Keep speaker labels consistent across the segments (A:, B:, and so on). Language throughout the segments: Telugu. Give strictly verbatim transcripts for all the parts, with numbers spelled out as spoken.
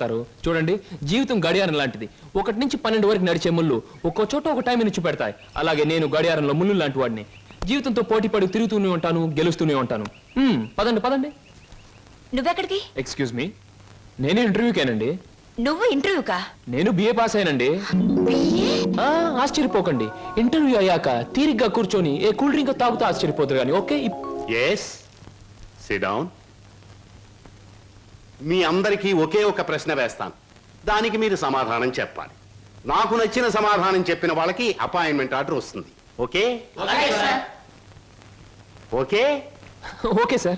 A: పోతారు. చూడండి, జీవితం గడియారం లాంటిది. ఒకటి నుంచి పన్నెండు వరకు నడిచే ముళ్ళు ఒక్కో చోట ఒక టైం నుంచి పెడతాయి. అలాగే నేను గడియారంలో ముళ్ళు లాంటి వాడిని. జీవితంతో పోటీ పడి తిరుగుతూనే ఉంటాను, గెలుస్తూనే ఉంటాను. పదండి పదండి.
B: నువ్వెక్కడికి?
A: ఎక్స్క్యూజ్ మీ, నేను ఇంటర్వ్యూకేనండి.
B: నువ్వు ఇంటర్వ్యూకా?
A: నేను బిఏ పాస్ అయినండి. ఆశ్చర్యపోకండి, ఇంటర్వ్యూ అయ్యాక తీరిగ్గా కూర్చొని ఏ కూల్ డ్రింక్ తాగుతూ ఆశ్చర్యపోతారు కానీ. Okay,
C: yes, sit down. మీ అందరికీ ఒకే ఒక ప్రశ్న వేస్తాను, దానికి మీరు సమాధానం చెప్పాలి. నాకు నచ్చిన సమాధానం చెప్పిన వాళ్ళకి అపాయింట్మెంట్ ఆర్డర్ వస్తుంది. Okay okay
A: okay sir.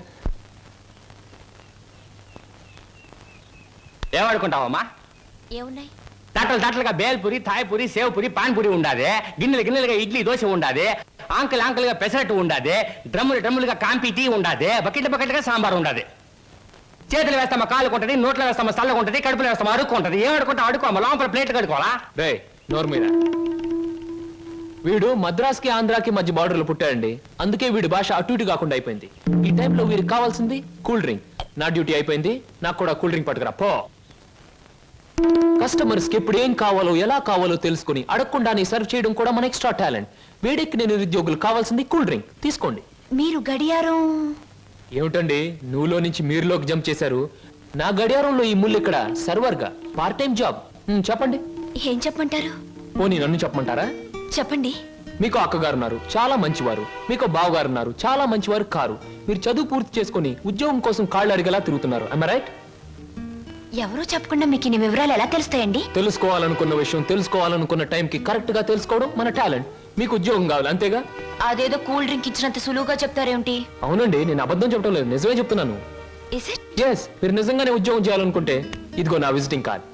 D: ఏమనుకుంటావమ్మా?
B: ఏమున్నాయి?
D: తట్టలు తట్టలుగా బేల్పూరి, థాయ్పూరి, సేవ్పూరి, పాన్పూరి ఉండాది. గిన్నెలు గిన్నెలుగా ఇడ్లీ దోశ ఉండాది. ఆంకలు ఆంకలుగా పెసరట్టు ఉండాది. డ్రమ్ములు డ్రమ్ములుగా కాంపి టీ ఉండాది. బకెట్ బకెట్గా సాంబార్ ఉండాది. చేతులు వేస్తామా కాళ్ళకు ఉంటుంది, నోట్లో వేస్తామా చల్లగా ఉంటుంది, కడుపులో వేస్తామా అడుక్కు ఉంటుంది. ఏం అడుకుంటా అడుకోమా, లోపల ప్లేట్ కడుకోవాలా?
A: రే నోరు మీద. వీడు మద్రాస్కి ఆంధ్రాకి మధ్య బార్డర్లో పుట్టాడండి. అందుకే వీడి భాష అటు ఇటు కాకుండా అయిపోయింది. ఈ టైంలో వీరికి కావాల్సింది కూల్ డ్రింక్. నా డ్యూటీ అయిపోయింది, నాకు కూడా కూల్ డ్రింక్ పట్టుకురా పో. కస్టమర్స్ కి ఎప్పుడు ఏం కావాలో ఎలా కావాలో తెలుసుకుని అడగకుండానే సర్వ్ చేయడం కూడా మన ఎక్స్ట్రా టాలెంట్. వీడికి నేను నిరుద్యోగులు కావాల్సింది కూల్ డ్రింక్. తీసుకోండి.
B: మీరు గడియారం
A: ఏమిటండి నువ్వులో నుంచి మీరులోకి జంప్ చేశారు? నా గడియారంలో ఈ ముళ్ళు ఇక్కడ సర్వర్ గా పార్ట్ టైం జాబ్. చెప్పండి.
B: ఏం చెప్పమంటారు?
A: పోనీ నన్ను చెప్పమంటారా?
B: చెప్పండి.
A: మీకు అక్కగారు ఉన్నారు, చాలా మంచివారు. మీకు బావగారు ఉన్నారు, చాలా మంచివారు కారు. మీరు చదువు పూర్తి చేసుకుని ఉద్యోగం కోసం కాళ్ళు అడిగేలా తిరుగుతున్నారు. I am right?
B: ఎవరో చెప్పకుండా మీకు ఇన్ని వివరాలు ఎలా తెలుస్తాయండి?
A: తెలుసుకోవాలనుకున్న విషయం తెలుసుకోవాలనుకున్న టైంకి కరెక్ట్ గా తెలుసుకోవడం మన టాలెంట్. మీకు ఉద్యోగం కావాలి అంతేగా?
B: అదేదో కూల్ డ్రింక్ ఇచ్చినంత సులువుగా చెప్తారేమిటి?
A: అవునండి, నేను అబద్ధం చెప్పడం లేదు, నిజమే చెప్తున్నాను.
B: Is it?
A: ఎస్, మీరు నిజంగానే ఉద్యోగం చేయాలనుకుంటే ఇదిగో నా విజిటింగ్ కార్డ్.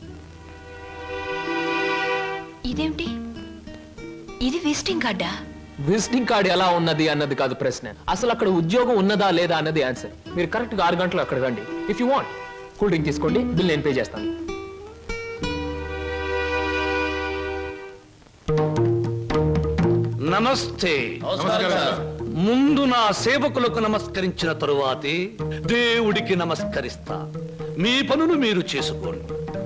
B: ఇదేమిటి? ఇది విజిటింగ్ కార్డా?
A: విజిటింగ్ కార్డ్ ఎలా ఉన్నది అన్నది కాదు ప్రశ్న, అసలు అక్కడ ఉద్యోగం ఉన్నదా లేదా అన్నది ఆన్సర్. మీరు కరెక్ట్ గా ఆరు గంటలు అక్కడ రండి. If you want cool drink తీసుకోండి, బిల్ నేను పే చేస్తాను.
E: నమస్తే. ముందు నా సేవకులకు నమస్కరించిన తరువాతే దేవుడికి నమస్కరిస్తా. మీ పనులు మీరు చేసుకోండి.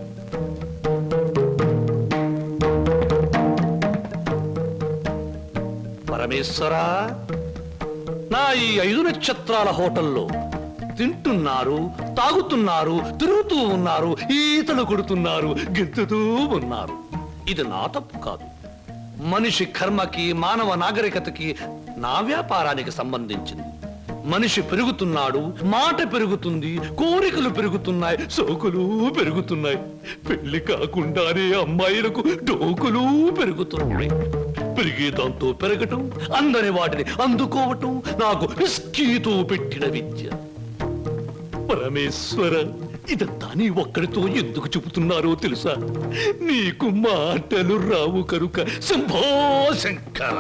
E: పరమేశ్వరా, నా ఈ ఐదు నక్షత్రాల హోటల్లో తింటున్నారు, తాగుతున్నారు, తిరుగుతూ ఉన్నారు, ఈతలు కొడుతున్నారు, గెంతుతూ ఉన్నారు. ఇది నా తప్పు కాదు. మనిషి కర్మకి, మానవ నాగరికతకి, నా వ్యాపారానికి సంబంధించింది. మనిషి పెరుగుతున్నాడు, మాట పెరుగుతుంది, కోరికలు పెరుగుతున్నాయి, సోకులు పెరుగుతున్నాయి. పెళ్లి కాకుండానే అమ్మాయిలకు డోకులు పెరుగుతున్నాయి. పెరిగే దాంతో పెరగటం, అందని వాటిని అందుకోవటం నాకు రిస్కీతో పెట్టిన విద్య. పరమేశ్వర, ఇదంతా నీ ఒక్కడితో ఎందుకు చెబుతున్నారో తెలుసా? నీకు మాటలు రావు కనుక. Shambho Shankara.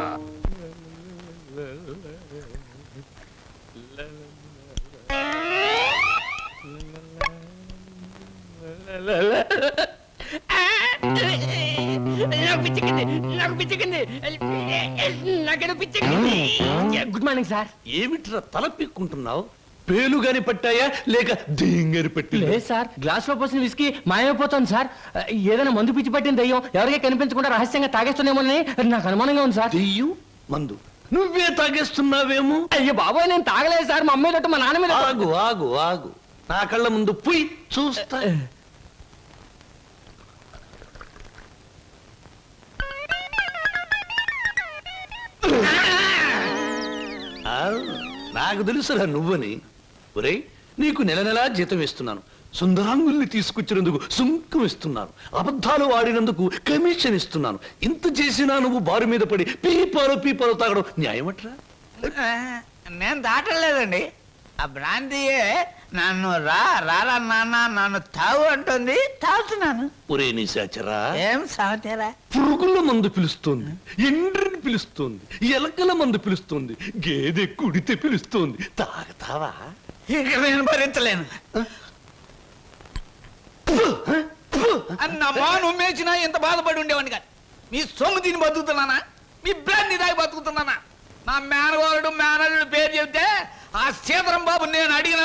D: Good morning sir.
E: ఏమిట్రా తల పీక్కుంటున్నావు? పేలుగాని పట్టాయా లేక దేంగని పట్టి?
D: లేదు సార్, గ్లాస్ లో పోసిన విస్కీ మాయమైపోతుంది సార్. ఏదైనా మందు పిచ్చి పట్టిన దయ్యం ఎవరికీ కనిపించకుండా రహస్యంగా తాగేస్తున్నామోనని నాకు అనుమానంగా ఉంది సార్.
E: దెయ్యం మందు నువ్వే తాగేస్తున్నావేమో?
D: అయ్యో బాబోయ్, నేను తాగలేదు సార్. మా అమ్మాయి తోటి మా నాన్న మీద.
E: ఆగు ఆగు ఆగు, నా కళ్ళ ముందు పుయ్ చూస్తా. నాకు తెలుసురా నువ్వని. ఒరే, నీకు నెల నెలా జీతం ఇస్తున్నాను, సుందరాంగుల్ని తీసుకొచ్చినందుకు సుంకం ఇస్తున్నాను, అబద్ధాలు ఆడినందుకు కమిషన్ ఇస్తున్నాను. ఇంత చేసినా నువ్వు బారు మీద పడి పీపాలు పీపాలు తాగడం న్యాయమట్రా?
F: నేను దాటలేదండి. ఆ బ్రాంతియే నన్ను రా రారా నాన్న నన్ను తాగు అంటుంది, తాగుతున్నాను.
E: ఒరే నిశాచరా,
F: ఏం సమాచారా?
E: పురుగుల మందు పిలుస్తోంది, ఎండ్రిని పిలుస్తోంది, ఎలకల మందు పిలుస్తోంది, గేదె కుడితే పిలుస్తోంది. తాగతావా?
F: ఇక నేను భరించలేను. అన్నమ్మా, నువ్వు మేచినా ఎంత బాధపడి ఉండేవాడిని కాదు. మీ సొమ్ము తిని బతుకుతున్నానా? మీ బ్రాంతి దాగి బతుకుతున్నానా? నా మేనగోరుడు మేనల్లుడు పేరు చెబితే ఆ సీతారాం బాబు నేను అడిగిన